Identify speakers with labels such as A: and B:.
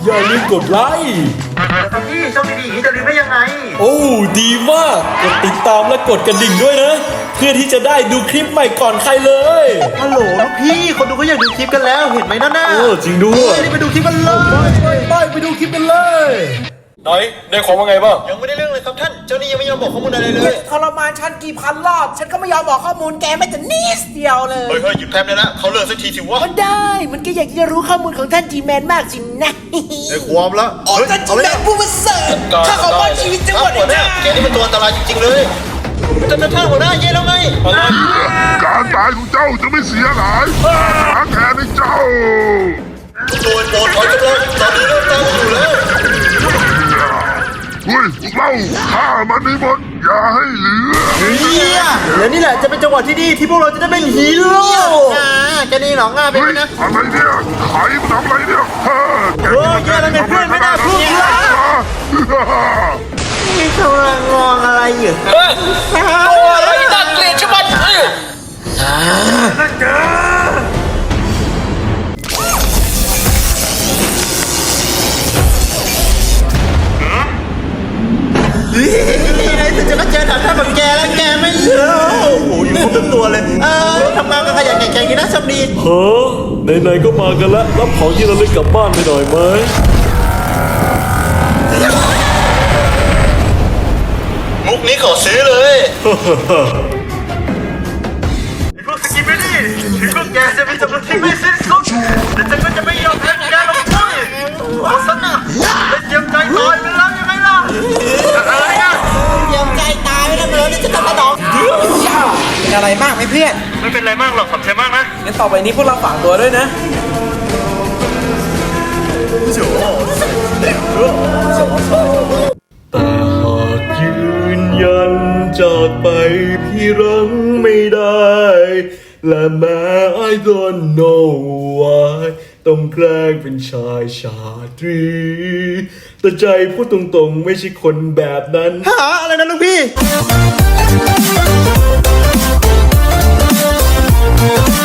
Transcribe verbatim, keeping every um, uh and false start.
A: อย่าลืมกดไลค์
B: แต่พี่ช่องดีๆอย่างนี้จะลืมได้ยังไง
A: โอ้ดีมากกดติดตามและกดกระดิ่งด้วยนะเพื่อที่จะได้ดูคลิปใหม่ก่อนใครเลย
B: ฮัลโหลลูกพี่คนดูก็อยากดูคลิปกันแล้วเห็นไหมนั่นน่ะ
A: เออจริงด้วย
B: รีบไปดูคลิปกันเลย
A: ไปไปไปดูคลิปกันเลยไหนได้ของว่าไงบ้าง
B: ยังไม่ได้เรื่องเลยครับท่านเจ้านี่ยังไม่ยอมบอกข้อมูลอะไรเลย
C: ทรมานฉันกี่พันรอบฉันก็ไม่ยอมบอกข้อมูลแกไม่แต่นิดเดียวเลย
B: เฮ้ยเฮ้ยหยุดแป๊บเลยนะเขาเลิกสักทีสิวะ
C: มันได้มันก็อยากจะรู้ข้อมูลของท่านจีแมนมากสินะ
B: ไอ้ความละ
C: โอ้ท่านจีแมนผู้ประเสริฐข้าขอมอบชีวิตจังหวัดนี้
B: แกนี่มันตัวอันตรายจริงๆเลยท่านท่านหัวหน้าเย่แล้วไง
D: การตายของเจ้าจะไม่เสียหายหาแทนให้เจ้า
B: โดยโปรดถอยกำลังตอนนี้เริ่มตั้งอยู่แล้ว
D: เฮ้ยเล่าฆ่ามันให้หมดอย่าให้เหลือ
B: เฮียแล้วนี่แหละจะเป็นจังหวะที่ดีที่พวกเราจะได้เป็นฮีโร่อ่าแกนี่หรอง่าเป็นนะ
D: อะไรเนี่ยใครมันทำอะไรเนี่ยเฮ้ย
B: เฮ้ยแกแล้วไงเพื่อนไม่น่าพูดเลยนี่กำลังมองอะไรอยู่
C: ตัวอะไรน่าเกลียดชะมัดเออ
B: นั่นเจอนี่ไงจะก็เจอถังท่าแบบแกแล้วแกไม่เยอะโอ้โหอยู่ครบทั้งตัวเลยเออทำงานกันขยันแข็งๆกันนะชมดี
A: เฮ้อไหนๆก็มากันแล้วรับของที่เราเล่นกลับบ้านไปหน่อยไหม
B: มุกนี้ขอซื้อเลยไอ้พวกสกิปไม่ดีถึงพวกแกจะมีจำนวนที่ไม่สิ้นสุดแต่ฉันก็จะไม่ยอมแพ้แกลงไปโอ้สนะเป็นเจียมใจตายไปแล้วยังไงล่ะอะไรนะ
C: เยี่ยมใจตายแล้วเลยจะทำกระดองเป็นอะไรมากไหมเพื่อน
B: ไม่เป็นไรมากหรอกขอบใจมากนะ
C: งั้นต่อไปนี้พวกเราฝากตัวด้วยนะ
A: แต่หากยืนยันจากไปพี่รังไม่ได้และแม้ I don't know why ต้องแกล้งเป็นชายชาตรีแต่ใจพูดตรงๆไม่ใช่คนแบบนั้น
B: ฮะอะไรนะลูกพี่